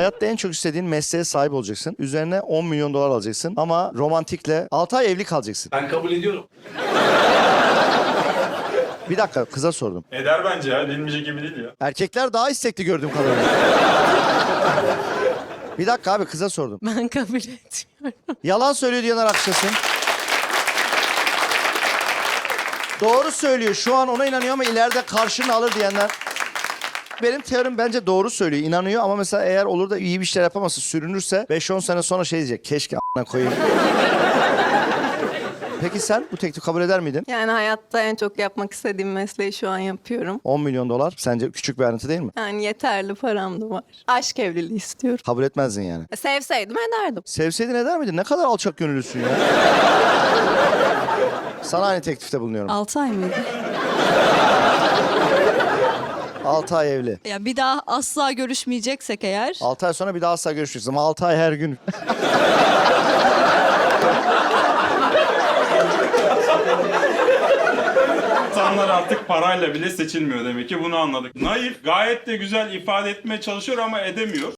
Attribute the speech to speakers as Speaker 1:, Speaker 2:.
Speaker 1: Hayatta en çok istediğin mesleğe sahip olacaksın. Üzerine 10 milyon dolar alacaksın. Ama romantikle 6 ay evli kalacaksın.
Speaker 2: Ben kabul ediyorum.
Speaker 1: Bir dakika, kıza sordum.
Speaker 3: Eder bence ya. Bilmeyecek gibi değil ya.
Speaker 1: Erkekler daha istekli gördüğüm kadarıyla. Bir dakika abi, kıza sordum.
Speaker 4: Ben kabul etmiyorum.
Speaker 1: Yalan söylüyor diyenler alkışlasın. Doğru söylüyor. Şu an ona inanıyor ama ileride karşını alır diyenler. Benim teorim bence doğru söylüyor. İnanıyor ama mesela eğer olur da iyi bir şeyler yapamazsa, sürünürse 5-10 sene sonra şey diyecek. Keşke a**ına koyayım. Peki sen bu teklifi kabul eder miydin?
Speaker 5: Yani hayatta en çok yapmak istediğim mesleği şu an yapıyorum.
Speaker 1: 10 milyon dolar sence küçük bir ayrıntı değil mi?
Speaker 5: Yani yeterli param da var. Aşk evliliği istiyorum.
Speaker 1: Kabul etmezdin yani.
Speaker 5: Sevseydim ederdim.
Speaker 1: Sevseydin eder miydin? Ne kadar alçak gönüllüsün ya. Sana aynı teklifte bulunuyorum.
Speaker 4: 6 ay mıydı?
Speaker 1: 6 ay evli.
Speaker 4: Ya bir daha asla görüşmeyeceksek eğer.
Speaker 1: 6 ay sonra bir daha asla görüşürüz ama 6 ay her gün.
Speaker 3: İnsanlar artık parayla bile seçilmiyor demek ki, bunu anladık. Naif, gayet de güzel ifade etmeye çalışıyor ama edemiyor.